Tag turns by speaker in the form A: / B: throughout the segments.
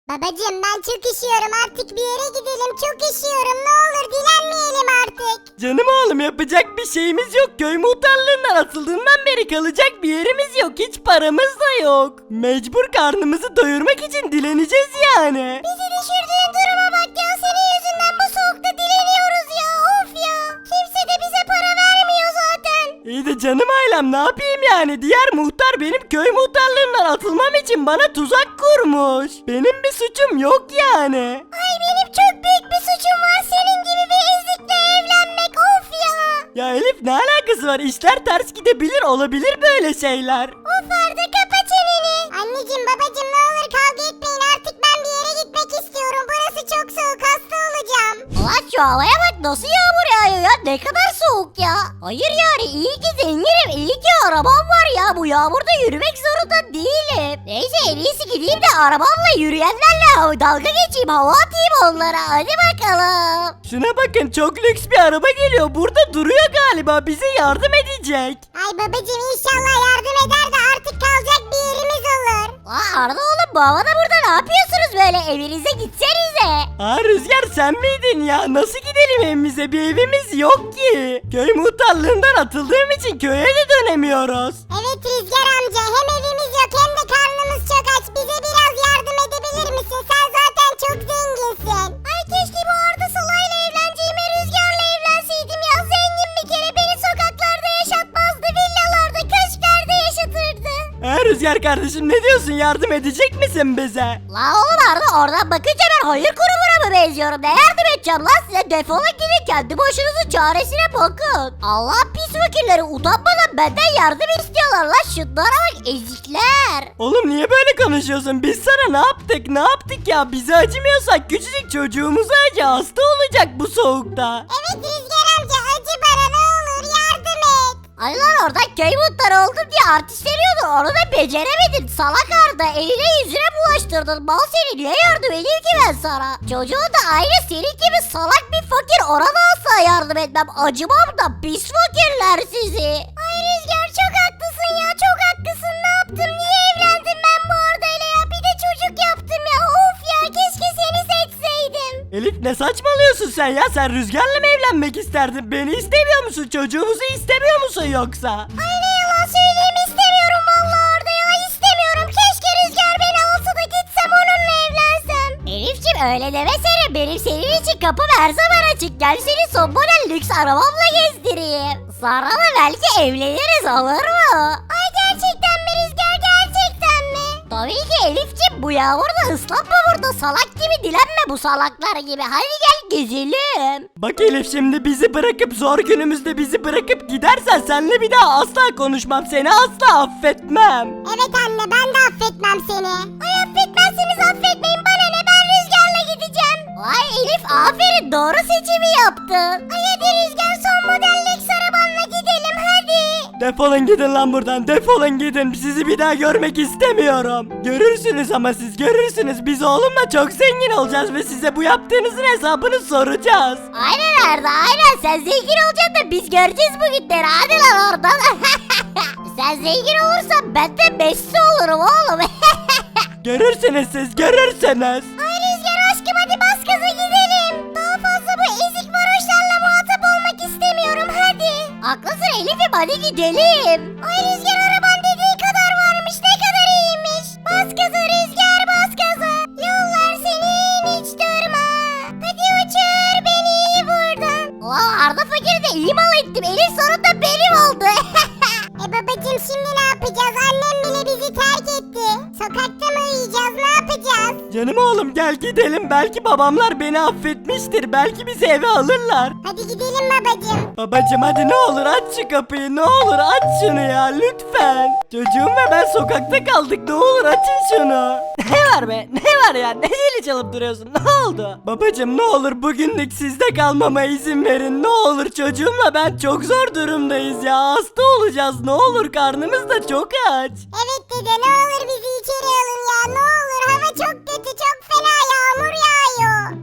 A: Babacım ben çok üşüyorum, artık bir yere gidelim, çok üşüyorum, ne olur dilenmeyelim artık.
B: Canım oğlum, yapacak bir şeyimiz yok. Köy muhtarlığından atıldığından beri kalacak bir yerimiz yok. Hiç paramız da yok. Mecbur karnımızı doyurmak için dileneceğiz yani.
A: Bizi düşürdüğün duruma bak ya, senin yüzünden bu soğukta dileniyoruz ya, of ya. Kimse de bize para vermiyor zaten.
B: İyi de canım ailem, ne yapayım yani? Diğer muhtar benim köy muhtarlığından atılmam için bana tuzak kurmuş. Benim bir suçum yok yani.
A: Ay benim çok büyük bir suçum var, senin gibi bir ezikle evlenmek, of ya.
B: Ya Elif, ne alakası var? İşler ters gidebilir, olabilir böyle şeyler.
A: Of Arda, kapa çeneni. Anneciğim babacığım ne olur kavga etmeyin, artık ben bir yere gitmek istiyorum. Burası çok soğuk, hasta olacağım.
C: Ulan şu havaya bak, nasıl yağmur yağıyor ya, ne kadar soğuk ya. Hayır yani, iyi ki zenginim, iyi ki arabam var ya, bu yağmurda yürümek zorunda değilim. Neyse, en iyisi gideyim de arabamla yürüyenlerle dalga geçeyim, hava atayım onlara, hadi bakalım.
B: Şuna bakın, çok lüks bir araba geliyor. Burada duruyor galiba, bize yardım edecek.
A: Ay babacığım inşallah yardım eder de artık kalacak bir yerimiz olur.
C: Aa, Arda oğlum, bu havada burada ne yapıyorsunuz böyle, evinize gitsenize.
B: Aa Rüzgar, sen miydin ya? Nasıl gidelim evimize? Bir evimiz yok ki. Köy muhtarlığından atıldığım için köye de dönemiyoruz.
A: Evet Rüzgar amca, hem evimiz yok hem de karnımız çok aç. Bize biraz yardım edebilir misin? Sen zaten çok zenginsin. Ay keşke bu Arda Sala'yla evleneceğime Rüzgar'la evlenseydim ya. Zengin bir kere, beni sokaklarda yaşatmazdı. Villalarda, köşklerde yaşatırdı.
B: Rüzgar kardeşim, ne diyorsun? Yardım edecek misin bize?
C: La oğlum Arda, oradan bakınca ben hayır kurumuna mı benziyorum, ne yardım edeceğim lan size, defolun gidin, kendi başınızın çaresine bakın. Allah pis fakirleri utanmadan benden yardım istiyorlar lan, şunlara bak ezikler.
B: Oğlum niye böyle konuşuyorsun? Biz sana ne yaptık? Ne yaptık ya? Bize acımıyorsak küçücük çocuğumuza acı. Hasta olacak bu soğukta.
A: Evet Rüzgar amca, acı bana ne olur yardım et.
C: Ay lan, oradan köy muhtarı oldum diye artistleniyordun, onu da beceremedin salak Arda, eline yüzüne bulaştırdın, mal seni, niye yardım edeyim ki ben sana? Çocuğun da aynı senin gibi salak bir fakir, ona da asla yardım etmem, acımam da, pis fakirler sizi.
A: Ay Rüzgar çok haklısın ya, çok haklısın. Ne yaptım, niye evlendim ben bu Arda'yla ya? Bir de çocuk yaptım ya, of ya, keşke seni seçseydim.
B: Elif, ne saçmalıyorsun sen ya? Sen Rüzgar'la mı evlenmek isterdin? Beni istemiyor musun? Çocuğumuzu istemiyor musun yoksa?
A: Ay ne yalan söyleyeyim, istemiyorum vallahi Arda ya, istemiyorum. Keşke Rüzgar beni alsa da gitsem onunla evlensem.
C: Elif'ciğim öyle demesene, benim senin için kapım her zaman açık, gel seni son model lüks arabamla gezdireyim. Sonra da belki evleniriz, olur mu?
A: Ay gerçekten mi Rüzgar, gerçekten mi?
C: Tabii ki Elif'ciğim, bu yağmurda ıslanma burada, salak gibi dilenme bu salaklar gibi, hadi gel gezelim.
B: Bak Elif, şimdi bizi bırakıp zor günümüzde bizi bırakıp gidersen seninle bir daha asla konuşmam. Seni asla affetmem.
A: Evet anne, ben de affetmem seni. Ay affetmezseniz affetmeyin, bana ne, ben Rüzgar'la gideceğim.
C: Vay Elif, aferin, doğru seçimi yaptın.
A: Ay hadi Rüzgar, son model lüks arabanla gidelim hadi.
B: Defolun gidin lan buradan. Defolun gidin. Sizi bir daha görmek istemiyorum. Görürsünüz ama siz görürsünüz. Biz oğlumla çok zengin olacağız ve size bu yaptığınızın hesabını soracağız.
C: Aynen Arda, aynen, sen zengin olacaksın da biz göreceğiz bu günleri, hadi lan oradan. Sen zengin olursan ben de Messi olurum oğlum.
B: Görürsünüz siz, görürsünüz.
A: Ay Rüzgar aşkım, hadi bas gaza gidelim. Daha fazla bu ezik varoşlarla muhatap olmak istemiyorum, hadi.
C: Haklısın Elif'im, hadi gidelim.
A: Ay Rüzgar, araban dediği kadar varmış, ne kadar iyiymiş. Bas gaza Rüzgar, bas gaza. Yollar senin, hiç durma. Hadi uçur beni buradan.
C: Ulan Arda fakiri de iyi mal ettim, Elif sonunda benim oldu.
A: Babacım şimdi ne yapacağız? Annem bile bizi terk etti. Sokakta mı uyuyacağız, ne yapacağız?
B: Canım oğlum, gel gidelim. Belki babamlar beni affetmiştir. Belki bizi eve alırlar.
A: Hadi gidelim babacım.
B: Babacım hadi ne olur aç şu kapıyı. Ne olur aç şunu ya, lütfen. Çocuğum ve ben sokakta kaldık. Ne olur açın şunu. Ne var be? Ne var ya? Ne zili çalıp duruyorsun? Ne oldu? Babacım ne olur bugünlük sizde kalmama izin verin. Ne olur, çocuğumla ben çok zor durumdayız ya. Hasta olacağız. Ne olur, karnımız da çok aç.
A: Evet dede, ne olur bizi içeri alın ya, ne olur. Hava çok kötü, çok fena yağmur yağıyor.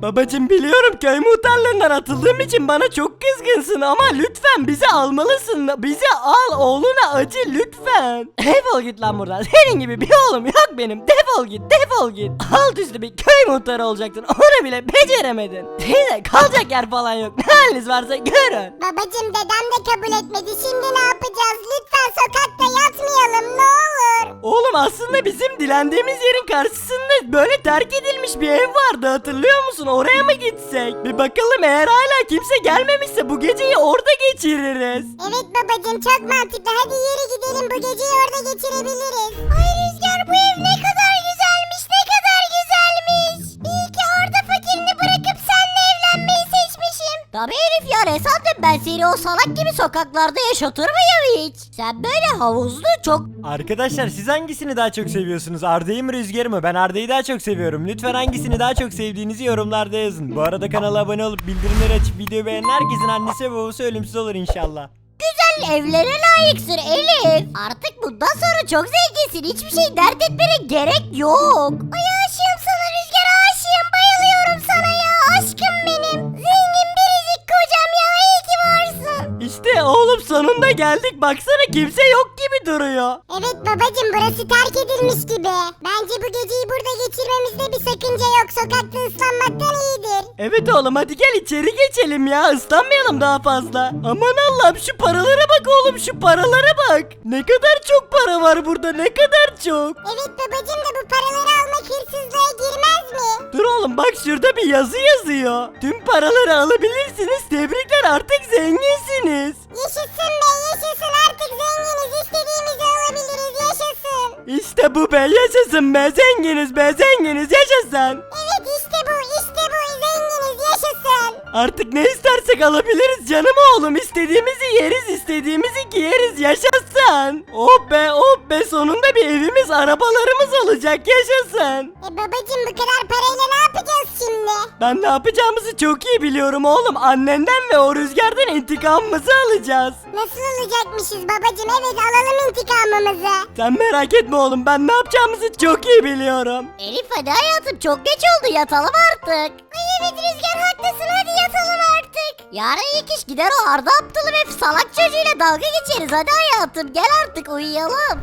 B: Babacım biliyorum köy muhtarlığından atıldığım için bana çok kızgınsın ama lütfen bizi almalısın. Bizi al, oğluna acı lütfen. Defol git lan buradan. Senin gibi bir oğlum yok benim. Defol git, defol git. Alt üstü bir köy muhtarı olacaktın. Onu bile beceremedin. Size kalacak yer falan yok. Ne haliniz varsa görün.
A: Babacım dedem de kabul etmedi. Şimdi ne yapacağız? Lütfen sokakta yatmayalım ne olur.
B: Oğlum aslında bizim dilendiğimiz yerin karşısında böyle terk edilmiş bir ev vardı, hatırlıyor musun? Oraya mı gitsek? Bir bakalım, eğer hala kimse gelmemişse bu geceyi orada geçiririz.
A: Evet babacım çok mantıklı. Hadi yürü gidelim, bu geceyi orada geçirebiliriz. Ay Rüzgar, bu ev ne kadar güzelmiş, ne kadar güzelmiş. İyi ki orada fakirini bırakıp seninle evlenmeyi seçmişim.
C: Tabii Elif ya, ne sandın, ben seni o salak gibi sokaklarda yaşatır mıyım hiç? Sen böyle havuzlu çok...
D: Arkadaşlar siz hangisini daha çok seviyorsunuz? Arda'yı mı Rüzgar'ı mı? Ben Arda'yı daha çok seviyorum. Lütfen hangisini daha çok sevdiğinizi yorumlarda yazın. Bu arada kanala abone olup bildirimleri açıp videoyu beğenen herkesin annesi ve babası ölümsüz olur inşallah.
C: Güzel evlere layıksın Elif. Artık bundan sonra çok zenginsin. Hiçbir şey dert etmene gerek yok.
A: Ay aşığım sana Rüzgar, aşığım, bayılıyorum sana ya, aşkım benim. Zengin biricik kocam ya, iyi ki varsın.
B: İşte oğlum sonunda geldik, baksana kimse yok gibi duruyor.
A: Evet babacım, burası terk edilmiş gibi. Bence bu geceyi burada geçirmemizde bir sakınca yok. Sokakta ıslanmaktan iyidir.
B: Evet oğlum, hadi gel içeri geçelim ya, ıslanmayalım daha fazla. Aman Allah'ım, şu paralara bak oğlum, şu paralara bak. Ne kadar çok para var burada, ne kadar çok.
A: Evet babacım da bu paraları almak hırsızlığa girmez mi?
B: Dur oğlum, bak şurada bir yazı yazıyor. Tüm paraları alabilirsiniz, tebrikler, artık zenginsiniz.
A: Yaşasın be, yaşasın, artık zenginiz, istediğimizi alabiliriz, yaşasın.
B: İşte bu be, yaşasın be, zenginiz be, zenginiz, yaşasın.
A: Evet işte bu, zenginiz, yaşasın.
B: Artık ne istersek alabiliriz canım oğlum, istediğimizi yeriz, istediğimizi giyeriz, yaşasın. Oh be, oh be, sonunda bir evimiz, arabalarımız olacak, yaşasın.
A: Babacım bu kadar parayla ne yapacağız şimdi?
B: Ben ne yapacağımızı çok iyi biliyorum oğlum, annenden ve o Rüzgar'dan intikamımızı alacağız.
A: Nasıl olacakmışız babacım? Evet, alalım intikamımızı.
B: Sen merak etme oğlum, ben ne yapacağımızı çok iyi biliyorum.
C: Elif hadi hayatım, çok geç oldu, yatalım artık.
A: Ay evet Rüzgar, haklısın, hadi yatalım artık.
C: Yarın ilk iş gider o Arda aptalım hep salak çocuğuyla dalga geçeriz, hadi hayatım gel artık uyuyalım.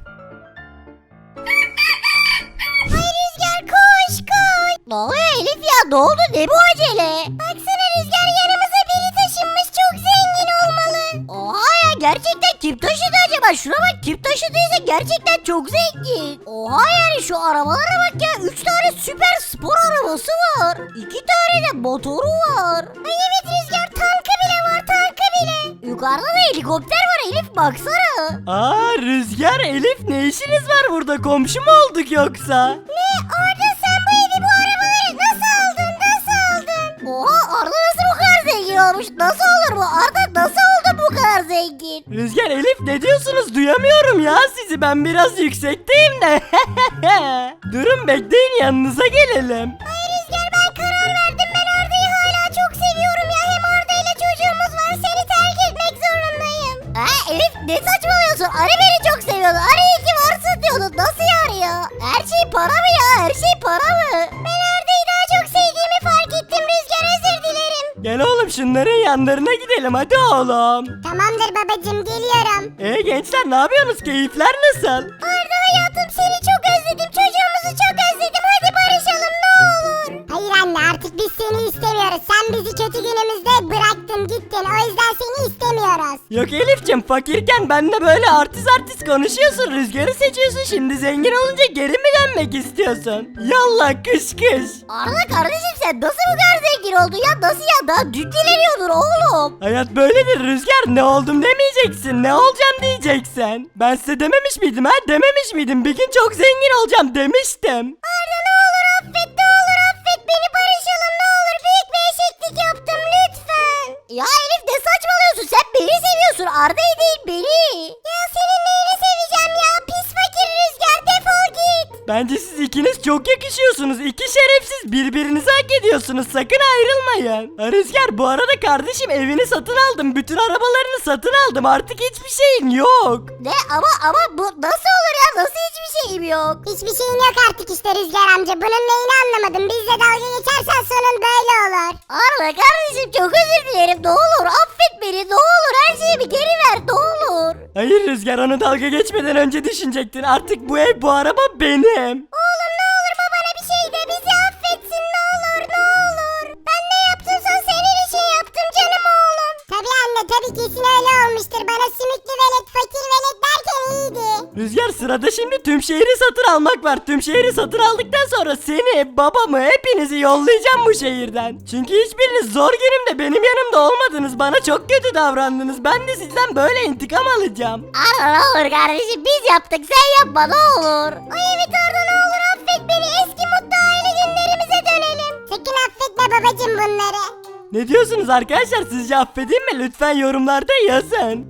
A: Ay Rüzgar, koş koş.
C: Ne oluyor Elif ya, ne oldu, ne bu acele?
A: Baksana Rüzgar, yanımıza biri taşınmış, çok zengin olmalı.
C: Oha ya, gerçekten kim taşıdı acaba? Şuna bak, kim taşıdıysa gerçekten çok zengin. Oha yani şu arabalara bak ya, 3 tane süper spor arabası var. 2 tane de motoru var.
A: Ay evet Rüzgar, tankı bile var, tankı bile.
C: Yukarıda da helikopter var Elif, baksana.
B: Aa Rüzgar, Elif, ne işiniz var burada, komşu mu olduk yoksa?
A: Ne? Arda, sen bu evi, bu arabaları nasıl aldın, nasıl aldın?
C: Oha, Arda nasıl bu kadar zengin olmuş? Nasıl olur bu? Arda nasıl oldu bu kadar zengin?
B: Rüzgar, Elif, ne diyorsunuz, duyamıyorum ya sizi, ben biraz yüksekteyim de. Durun, bekleyin, yanınıza gelelim.
A: Ay Rüzgar, ben karar verdim, ben Arda'yı hala çok seviyorum ya, hem Arda ile çocuğumuz var, seni terk etmek zorundayım.
C: Ha Elif, ne saçmalıyorsun? Ari beni çok seviyordu. Ari iyi ki varsın diyordu. Nasıl yani ya? Her şey para mı ya? Her şey para mı?
A: Ben Arda'yı daha çok sevdiğimi fark ettim Rüzgar, özür dilerim.
B: Gel oğlum, şunların yanlarına gidelim, hadi oğlum.
A: Tamamdır babacım, geliyorum.
B: Gençler, ne yapıyorsunuz, keyifler nasıl?
A: Arda hayatım, seni çok özledim, çocuğumuzu çok özledim, hadi barışalım ne olur. Hayır anne, artık biz seni istemiyoruz, sen bizi kötü günümüzde bıraktın gittin, o yüzden seni istemiyoruz.
B: Yok Elif'cim, fakirken benimle böyle artist konuşuyorsun, Rüzgar'ı seçiyorsun, şimdi zengin olunca geri mi dönmek istiyorsun? Yallah, kış kış.
C: Arda kardeşim, sen nasıl bu kadar zengin oldun ya? Nasıl ya? Daha dün dileniyordun oğlum.
B: Hayat böyledir Rüzgar, ne oldum demeyeceksin, ne olacağım diyeceksin. Ben size dememiş miydim ha, dememiş miydim, bir gün çok zengin olacağım demiştim.
A: Arda ne olur affet, ne olur affet beni, barışalım ne olur, büyük bir eşeklik yaptım lütfen.
C: Ya Elif, ne saçmalıyorsun? Sen beni seviyorsun. Arda'yı değil, beni.
A: Ya senin neyini seveceğim ya, pis fakir Rüzgar, defol git.
B: Bence siz ikiniz çok yakışıyorsunuz. İki şerefsiz birbirinizi hak ediyorsunuz. Sakın ayrılmayın. Ha, Rüzgar bu arada kardeşim evini satın aldım. Bütün arabalarını satın aldım. Artık hiçbir şeyin yok.
C: Ne ama bu nasıl olur ya? Nasıl hiçbir şeyim yok?
A: Hiçbir şeyin yok artık işte Rüzgar amca. Bunun neyini anlamadım. Bizle dalga geçersen sonun böyle olur.
C: Arda kardeşim çok özür dilerim. Ne olur affet beni. Ne olur her şeyimi geri ver. Ne olur.
B: Hayır Rüzgar, onu dalga geçmeden önce düşünecektin. Artık bu ev, bu araba benim.
A: Oğlum ne olur babana bir şey de bizi affetsin ne olur ne olur. Ben ne yaptımsa senin için yaptım canım oğlum. Tabii anne tabii kesin öyle olmuştur. Bana sümüklü velet fakir velet derken iyiydi.
B: Rüzgar, sırada şimdi tüm şehri satın almak var. Tüm şehri satın aldıktan sonra seni, babamı, hepinizi yollayacağım bu şehirden. Çünkü hiçbiriniz zor günümde benim yanımda olmadınız. Bana çok kötü davrandınız. Ben de sizden böyle intikam alacağım.
C: Arda ne olur kardeşim biz yaptık sen yapma ne olur.
A: Ay evet Arda ne olur affet beni. Eski mutlu aile günlerimize dönelim. Sakın affetme babacım bunları.
B: Ne diyorsunuz arkadaşlar? Sizce affedeyim mi? Lütfen yorumlarda yazın.